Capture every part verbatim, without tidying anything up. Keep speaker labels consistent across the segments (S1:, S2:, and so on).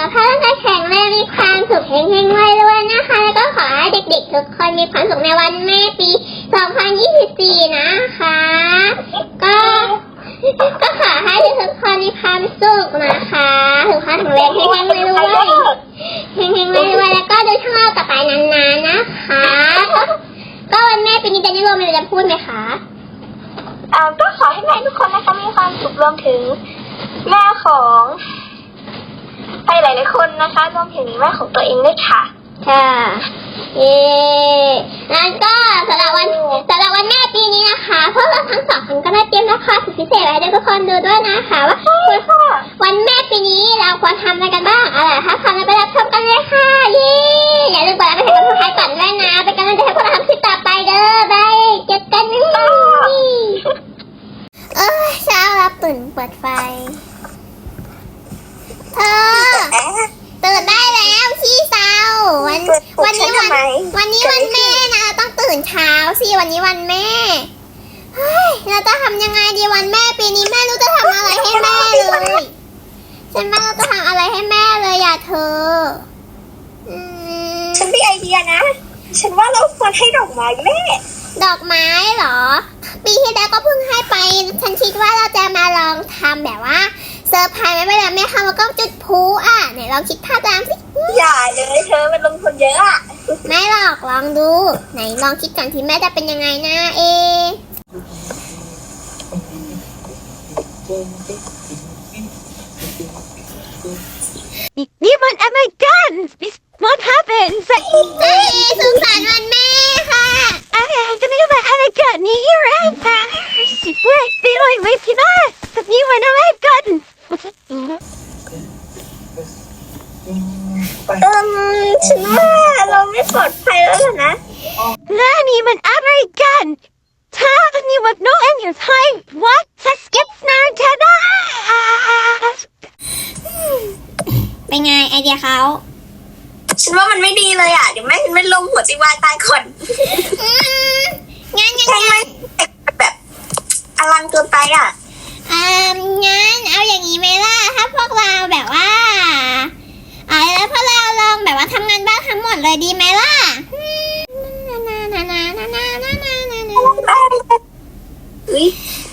S1: ขภาพร่างกายแข็งแรงมีความสุขเฮงๆรวยๆนะคะแล้วก็ขอให้เด็กๆทุกคนมีความสุขในวันแม่ปีสองพันยี่สิบสี่นะคะก็ก็ขอให้ทุกคนมีความสุขนะคะสุขภาพแข็งแรงเฮงๆรวยๆเฮงๆรวยๆแล้วก็ดูช่องเราต่อไปนานๆนะคะก็วันแม่ปีนี้เจนนี่โรมีอะไรจะพูดไหมคะ
S2: อ่าก็ขอให้แม่ทุกคนนะคะมีความสุขรวมถึงแม่ของใครหลายๆคนนะคะรวมถึงแม่ของตัวเองด้วยค่ะ
S1: ค่ะเย้แล้วก็สำหรับวันสำหรับวันแม่ปีนี้นะคะพวกเราทั้งสองคนก็ได้เตรียมละครสุดพิเศษไว้ให้ทุกคนดูด้วยนะคะว่าวันแม่ปีนี้เราควรทำอะไรกันบ้างอะไรถ้าทำอะไรไปรับชมกันเลยค่ะเย้อย่าลืมกดไลค์กดแชร์กดซับสไครบ์ก่อนด้วยนะเป็นกำลังใจให้พวกเราทำคลิปต่อไปเด้อบายเจอกันนะเออเช้ารับตื่นเปิดไฟเธอตื่นได้แล้วพี่สาววันวันนี้วันวันนี้วันแม่นะต้องตื่นเช้าสิวันนี้วันแม่เฮ้ยเราจะทำยังไงดีวันแม่ปีนี้แม่รู้จะทำอะไรให้แม่เลยฉันไม่รู้จะทำอะไรให้แม่เลยอย่าเธอ
S2: ฉันมีไอเดียนะฉันว่าเราควรให้ดอกไม้แม่
S1: ดอกไม้เหรอปีที่แล้วก็เพิ่งให้ไปฉันคิดว่าเราจะมาลองทำแบบว่าเซอร์ไพรส์ไม่ไปแล้วแม่ค่ะแล้วก็จุดพลุอ่ะไหนลองคิดภาพตามสิ
S2: อย่าเลยเธอมันลงทุนเยอะอ่ะ
S1: ไม่หรอกลองดูไหนลองคิดก่อนที่แม่จะเป็นยังไงนะเอ
S3: นี่มันอะไรกัน What happened
S1: เอสุขสันต์วันแม่ค่ะ
S3: อะไรจะไม่รู้ว่าอะไรกันนี่อะไรกันสิเว้ยไปเลยไม่พี่น้าแต่นี่มันอะไรกัน
S2: เออฉันว่าเราไม่ปลอดภัยแล้วนะ
S3: แล้วนี่มันอะไรกันถ้านี่ว่า no and your time what จะสกิปนาร์ทนะ
S1: เป็นไงไอเดียเขา
S2: ฉันว่ามันไม่ดีเลยอ่ะเดี๋ยวแม่ฉันไม่ลงหัวใจวายตายคน
S1: งั้นงั้น
S2: งั้นแบบอลังเกินไปอ่ะ
S1: อ่างั้นเอาอย่างนี้ไหมล่ะถ้าพวกเราแบบว่าอ่าแล้วพวกเราลองแบบว่าทำงานบ้านทั้งหมดเลยดีไหมล่ะนานานานานานานานานานา
S2: อุ้ย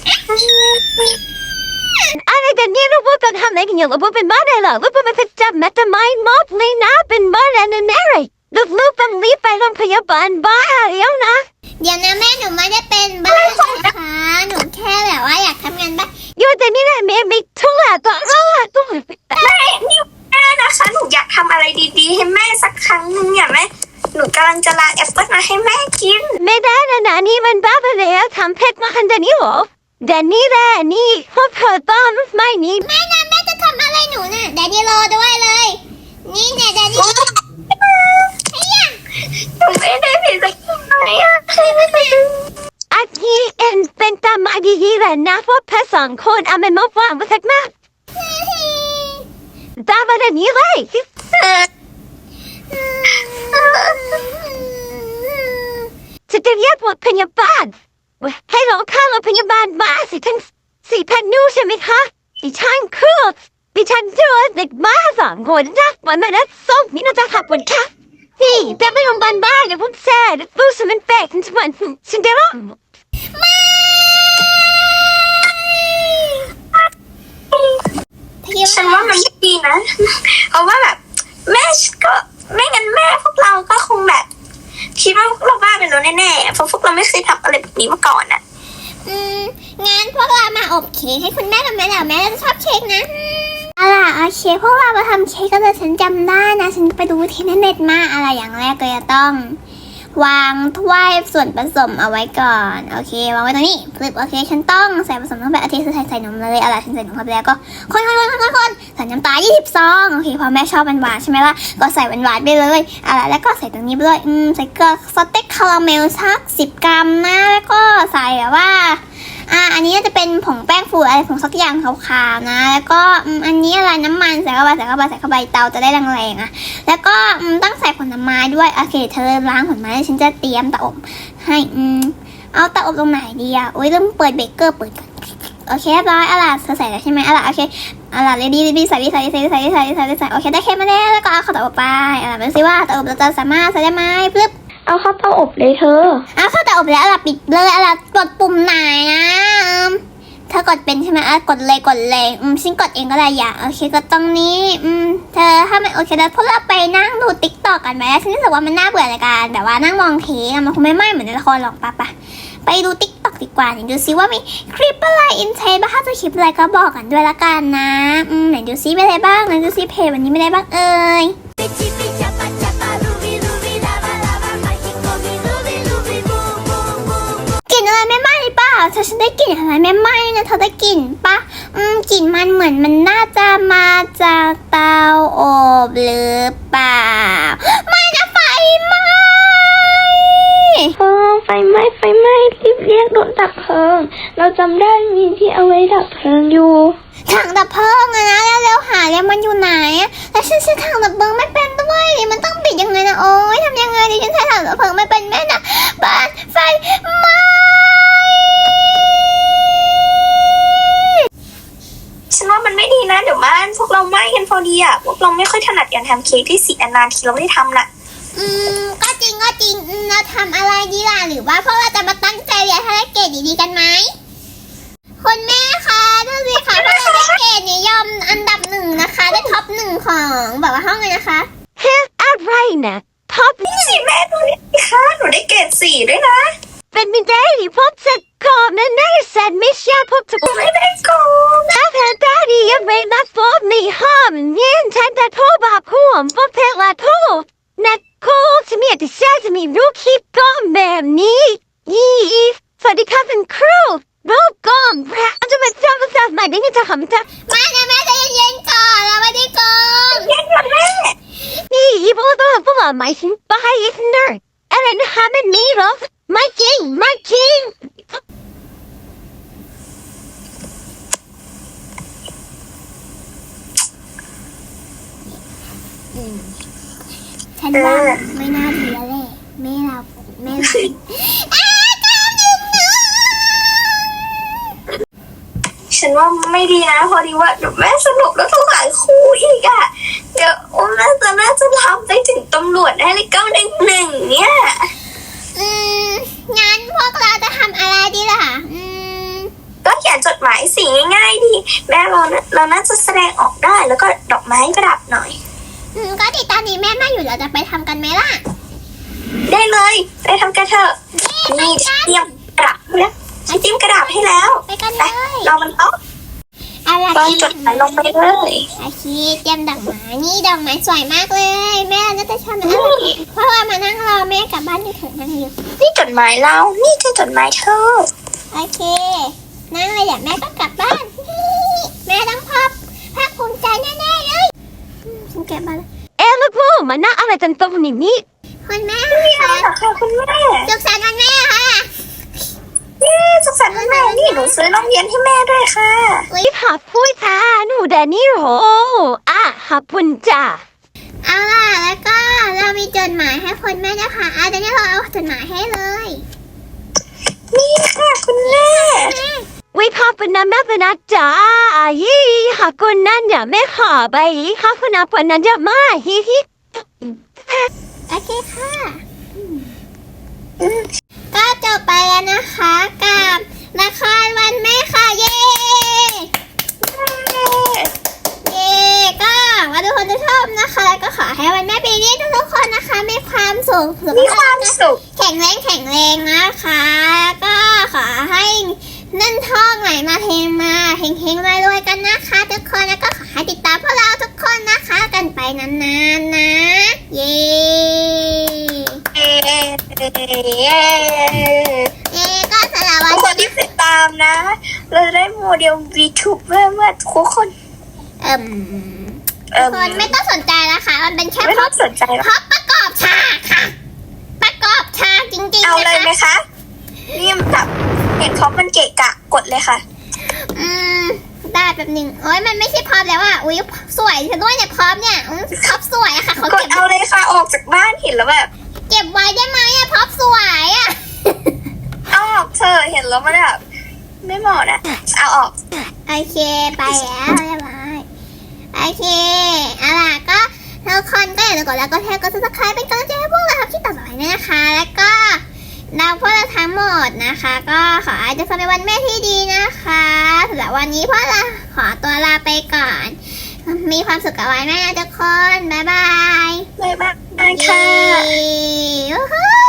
S3: อะไรกันเนี่ยเราเป็นทำอะไรกันอยู่เราเป็นบ้านอะไรเราเป็นไปจับแมตต์ไม่มอบเลยนะเป็นบ้านอะไรนั่นอะไรลูกลูกเป็นรีบไปโรงพยาบาลบ้าเดี๋ยวนะ
S1: เดี๋ยวนะแม่หนูไม่ได้เป็นบ้านะคะหนูแค่แบบว่าอยากทำงานบ้าน
S3: อยู่แต่นี่แหละแม่ไม่ทุละตัวเราตัว
S2: แม่นี่แม่นะคะหนูอยากทำอะไรดีๆให้แม่สักครั้งนึงเนี่ยแม่หนูกำลังจะล้างแอปเปิ้ลมาให้แม่กิน
S3: ไม่ได้นะนะนี่มันบ้าไปแล้วทำเพชรมาขนาดนี้หรอแดนนี่แหละนี่พวกเธอต้องไม่นี่
S1: แม่นะแม่จะทำอะไรหนูน่ะแดนนี่รอด้วยเลยนี่เนี่ยแดนนี่ไอ้ยัง
S2: หนูไม่ได้ผิดสักอย่าง
S3: อันนี้เอ็นเป็นตามมาดีๆแหละนะพวกเพชรสองคนเอามันมาฟังมาสักมากตามมาแบบนี้เลยจะจะเรียกรถพยาบาลให้เราข้ารถพยาบาลมาสิทั้งสี่พันนูใช่ไหมคะดิฉันคือดิฉันเจอเด็กบ้าสองคนนะวันนั้นส่งนี่น่าจะขับวันค่ะพี่แต่ไม่ลงบ้านบ้านเดี๋ยวผมแซ่เดี๋ยวฟูสมันแปลกทั้งวันฉันจะร้อง
S2: ไม่ฉันว่ามันไม่ดีนะเพราะว่าแบบแม่ก็ไม่งั้นแม่พวกเราก็คงแบบคิดว่าพวกเราบ้าไปแล้วแน่ๆเพราะพวกเราไม่เคยทำอะไรแบบนี้มาก่อนอ่ะ
S1: อืมงั้นพวกเรามาอบเค้กให้คุณแม่ทำไมล่ะแม่จะชอบเค้กนะอะไรโอเคพวกเรามาทำเค้กก็เลยฉันจำได้นะฉันไปดูที่เน็ตมาอะไรอย่างแรกก็จะต้องวางถ้วยส่วนผสมเอาไว้ก่อนโอเควางไว้ตรงนี้ฟลิปโอเคฉันต้องใส่ผสมลงไปโอเคใส่ใส่นมเลยอะไรฉันใส่นมเข้าไปแล้วก็คนคนคนคนคนใส่น้ำตาลยี่สิบซองโอเคพอแม่ชอบหวานๆใช่ไหมล่ะก็ใส่หวานๆไปเลยอะไรแล้วก็ใส่ตรงนี้ไปเลยอืมใส่เกลือสเต็กคาราเมลสักสิบกรัมนะแล้วก็ใส่แบบว่าอ่าอันนี้จะเป็นผงแป้งฟูอะไรผงสักอย่างขาวๆนะแล้วก็อันนี้อะไรน้ำมันใส่เข้าไปใส่เข้าไปใส่เข้าไปเตาจะได้แรงๆอ่ะแล้วก็ต้องใส่ผลไม้ด้วยโอเคเธอล้างผลไม้ฉันจะเตรียมเตาอบให้อืมเอาเตาอบตรงไหนดีอ่ะโอ้ยเริ่มเปิดเบเกอร์เปิดก่อนโอเคเรียบร้อยอะไรเธอใส่แล้วใช่ไหมอะไรโอเคเอาล่ะเรดี้เรดี้ใส่ใส่ใส่ใส่ใส่ใส่ใส่โอเคได้แค่มาแล้วแล้วก็เอาข้าวเตาอบไปเอาล่ะมาดูซิว่าเตาอบเราจะสามารถใส่ได้ไหมปึ๊บ
S2: เอาข้าวเตาอบเลยเธอ
S1: เอาข้าวเตาอบแล้วเอาล่ะปิดเลยเอาล่ะกดปุ่มไหนนะอืมเธอกดเป็นใช่ไหมอ่ะกดเลยกดเลยอืมฉันกดเองก็ได้อย่าโอเคกดตรงนี้อืมเธอถ้าไม่โอเคแล้วพวกเราไปนั่งดูติ๊กต็อกกันไหมฉันรู้สึกว่ามันน่าเบื่อในการแบบว่านั่งมองเทปมันคงไม่ไหม้เหมือนในละครหรอกปะปะไปดูติ๊กต็อกดีกว่าไหนดูซิว่ามีคลิปอะไรอินเทนบ้างถ้าจะคลิปอะไรก็บอกกันด้วยละกันนะอืมไหนดูซิมีอะไรบ้างไหนดูซิเพจวันนี้มีอะไรบ้างเอ่ยกลิ่นอะไรไม่ไหม้เปล่าเธอฉันได้กลิ่นอะไรไม่ไหม้นะเธอได้กลิ่นปะอืมกลิ่นมันเหมือนมันน่าจะมาจากเตาอบหรือเปล่าไม่นะไฟไหม้
S2: เออไฟไหม้ไฟไหม้รีบเรียกรถดับเพลิง เราจำได้มีที่เอาไว้ดับเพลิงอยู่
S1: ถังดับเพลิงอะนะเร็วๆหาเลยมันอยู่ไหนอะแล้วฉันใช้ถังดับเพลิงไม่เป็นด้วยดิมันต้องปิดยังไงนะโอ๊ยทำยังไงดิฉันใช้ถังดับเพลิงไม่เป็นแม่นะบ้านไฟไหม้
S2: ฉันว่ามันไม่ดีนะเดี๋ยวบ้านพวกเราไหม้กันพอดีอ่ะพวกเราไม่ค่อยถนัดการทำเค้กที่สีนานๆทีเราไม่ได้ทำน่ะ
S1: อืมก็จริงก็จริงอืมเราทำอะไรดีล่ะหรือว่าพวกเราจะมาตั้งใจเรียนให้ได้เกรดดีๆกันไหมคุณแม่คะดูสิคะพวกเราได้เกรดนิยมอันดับหนึ่งนะคะได้ท็อปหนึ่งของแบบว่าห้องเลยนะคะ
S3: เฮ้อะไรนะพ่อ
S2: นี่สิแม่ดูนี่ค่ะหนูได้เกรดสี่ด้วยนะ
S3: เป็นไม่ได้ที่พ่อจะก่อนนะนะแซนไม่ใช่พ่อจะ
S2: หนูไม่ได้โกง
S3: ถ้าแพ้ได้ดียังไม่นับพ่อมีห้ามเงี้ยฉันจะโทรบอกพ่อพ่อเพลงละโทรนักโคจะมีแต่ฉันจะมีรูปคลิปก้อนแบบนี้ยี่สวัสดีค่ะเป็นครูรูปก้อนแพร่จะมาจำภาษาใหม่ได้ไงจะทำจะ
S1: มานะแม่ใจเย็นๆก่อนเราไม่ได้โกง
S2: เย็นก่อนแม่
S3: นี่อีพวกตัวพวกเราไม่ถึงไปอีกเนอร์อะไรนะฮะมันมีหรอไม่จริงไม่จริง
S1: ฉันว่าไม่น่าดีแล้วแหละแม่เราแม่เราอ้าวก้าวหนึ่งนะ
S2: ฉันว่าไม่ดีนะพอดีว่าเดี๋ยวแม่สรุปแล้วต้องหลายคู่อีกอ่ะเดี๋ยวโอ้แม่จะแม่จะทำไปถึงตำรวจได้เลยเก้าหนึ่งหนึ่งเนี่ย
S1: อืมงั้นพวกเราจะทำอะไรดีล่ะอืม
S2: ก็เขียนจดหมายสีง่ายๆดีแม่เรานะเราน่าจะแสดงออกได้แล้วก็ดอกไม้ประดับหน่อย
S1: อืมก็ติดตอนนี้แม่มาอยู่เราจะไปทำกันไหมล่ะ
S2: ได้เลยไปทำกันเถอะนี่เตรียมกระดาษให้แล้วฉันเตรียมกระดาษให้แล้ว
S1: ไปกัน
S2: ไป
S1: เลย
S2: เรามันต้อง
S1: อะไร
S2: วางจดหมายลงไปเลย
S1: อาชีเตรียมดอกไม้นี่ดอกไม้สวยมากเลย แม่น่าจะชอบนะเพราะว่ามานั่งรอแม่กลับบ้านที่เถอะนั่งอยู่
S2: นี่จดหมายเรา นี่คือจดหมายเธอ
S1: โอเคนั่งเลยเดี๋ยวแม่ก็กลับบ้าน แม่ต้องพับภาคภูมิใจแน่ๆเลยอืมฉันเก็บมาแล้ว
S3: เอ๊ะลูกพ่อมานั่งอะไรกันตรงนี้นี่
S1: คุณแม่
S2: นี่อะไร
S1: ค่ะ
S2: เหรอคะคุณแม่
S1: สุขสันต์วันแม่ค่ะ
S2: เย้สุขสันต์วันแม่นี่หนูซื้อนมเย็นให้แม่ด้วยค่ะ
S3: รีบหาพูดค่ะหนูแดนนี่โหอ่ะขอบคุณจ้า
S1: เอาล่ะแล้วก็เรามีจดหมายให้คุณแม่นะคะอ่ะเดี๋ยวนี้เราเอาจดหมายให้เลย
S2: นี่ค่ะคุณแม่
S3: วิขอบคุณนะแม่เป็นนะจ้ายี่ขอบคุณนั่นอย่าไม่ขอไปขอบคุณนะเป็นนั้นอย่ามาฮิฮิ
S1: โอเคค่ะอืมก็จบไปแล้วนะคะกับละครวันแม่ค่ะเย้เย้ก็หวังว่าทุกคนจะชอบนะคะแล้วก็ขอให้วันแม่ปีนี้ทุกๆคนนะคะมีความสุขสุข
S2: มีค
S1: ภาพ
S2: วาม
S1: นะ
S2: สุข
S1: แข็งแรงแข็งแรงนะคะแล้วก็ขอให้เงินทองไหลมาเทมาเฮงๆรวยๆกันนะคะทุกคนแล้วก็ขอให้ติดตามพวกเราทุกคนนะคะ กันไปนานๆนะ เย้
S2: เย้เย้
S1: เย้ก็สำหรับวั
S2: ทุ
S1: น
S2: กคนที่ติดตามนะ เราจะได้โมเดล วี ทู เบอร์เมื่อทุกคน
S1: เอิ่ม
S2: เอ่
S1: ทุ
S2: อก
S1: คนไม่ต้องสนใจนะคะมันเป็นแค่
S2: ไม่
S1: พ
S2: ต้
S1: ร็
S2: อ
S1: อง พ
S2: สนใจหรอก
S1: พร็อพประกอบฉากค่ะ ประกอบฉากจริงๆ
S2: เอาเลยไหม
S1: นะคะ
S2: คะนี่มันแบบเห็นเขามันเกะกะกดเลยค่ะ
S1: อืมได้แบบหนึ่งโอ้ยมันไม่ใช่พร็อพแล้วอ่ะอุ้ยสวยซะด้วยเนี่ยพร็อพเนี่ยอืมพร็อพสวยอะค่ะเขา
S2: กด
S1: เก็บ
S2: เอาเลยค่ะออกจากบ้านเห็นแล้วแบบ
S1: เก็บไว้ได้ไหมอะพร็อพสวยอะ
S2: เอาออกเธอะเห็นแล้วมันแบบไม่เหมาะนะเอาออก
S1: โอเคไปแล้วเรียบร้อยโอเคเอาล่ะก็ทุกคนก็อย่าลืมกดไลค์กดแชร์กด ซับสไครบ์ เป็นกำลังใจให้พวกเราทำคลิปต่อไปด้วยนะคะ แล้วก็เราพวกเราทั้งหมดนะคะ ก็ขอให้ทุกคนเป็นวันแม่ที่ดีนะคะสำหรับวันนี้พวกเราขอตัวลาไปก่อน มีความสุขกับวันแม่นะทุกคนบ๊ายบาย
S2: บ๊ายบายค่ะ
S1: เย้